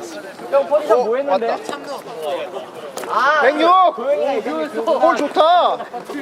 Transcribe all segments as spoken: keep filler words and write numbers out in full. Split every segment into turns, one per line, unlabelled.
형 포지션 뭐 했는데? 아,
백육!
고영이가
골 좋다!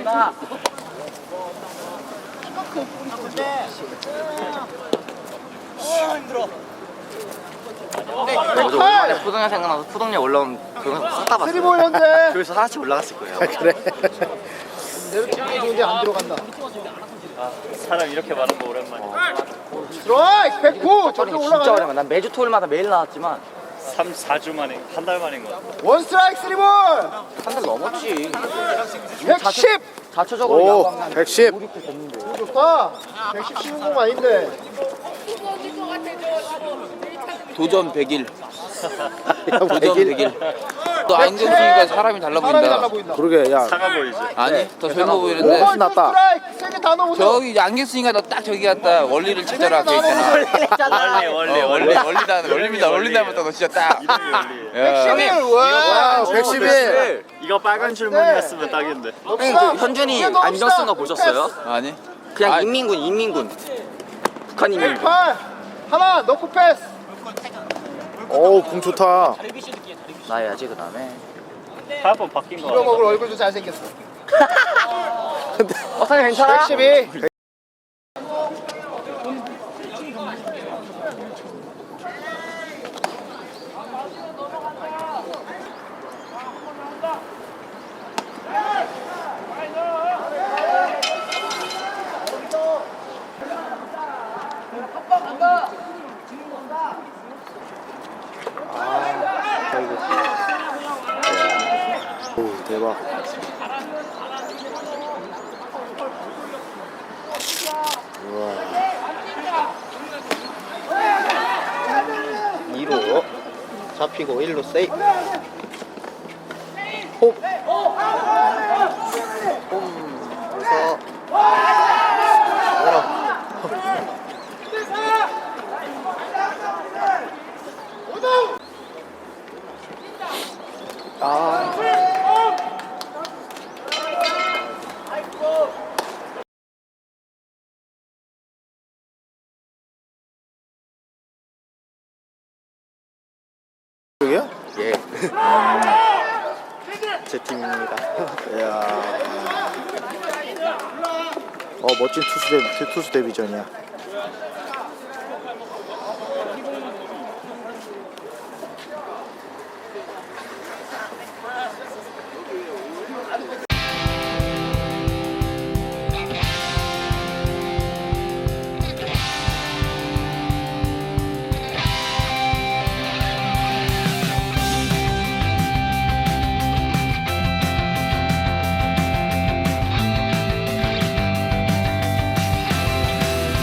저도 오랜만에 푸동야 생각나서 푸동야 올라온 그거 싹다 봤어요.
쓰리볼 현재!
그래서 하나씩 올라갔을 거예요.
그래. 내로 찍기 좋은데 안 들어간다.
아, 사람 이렇게 많은 거 오랜만이야.
스트라이크! 백구! 저쪽
푸동이 진짜
올라가네.
오랜만. 난 매주 토요일마다 매일 나왔지만
삼, 사 주 만에, 한 달 만인 거 같아.
원 스트라이크 쓰리볼!
한 달 넘었지.
백십!
자체적으로
오,
야구하면
백십.
오, 육대 됐는데.
좋다. 백십 쉬운 공 아닌데.
도전 백일. 도전
백일.
백일. 또 안경 쓰니까 사람이 달라
사람이 달라
보인다.
보인다.
그러게 야
사가 보이지?
아니, 더 젊어
오
보이는데.
번
낫다.
스트라이크 세개 다 넘어서.
저기 안경 쓰니까 너 딱 저기 갔다 원리를 찾아라 돼 있잖아.
원리, 원리,
어,
원리.
원리 원리다 원리입니다. 원리 닮았다 너 진짜 딱.
이름이 원리.
야.
백십일! 와!
백십일.
이거 빨간 줄무늬였으면 딱인데.
놉시다.
현준이
이제 넣읍시다.
안경 쓴 거 보셨어요?
아니.
그냥
아,
인민군, 인민군. 북한 인민군.
백팔! 하나 넣고 패스.
어우 공 좋다.
나야지 그 다음에.
한번 바뀐 거
이거 먹을
같아.
얼굴도 잘생겼어.
어, 사장님 괜찮아?
백십이.
오 대박.
이루 잡히고 일루 세이. 홈. 홈에서 열어. 아.
여기야?
예. 제 팀입니다.
이야. 어 멋진 투수 데 투수 데뷔전이야.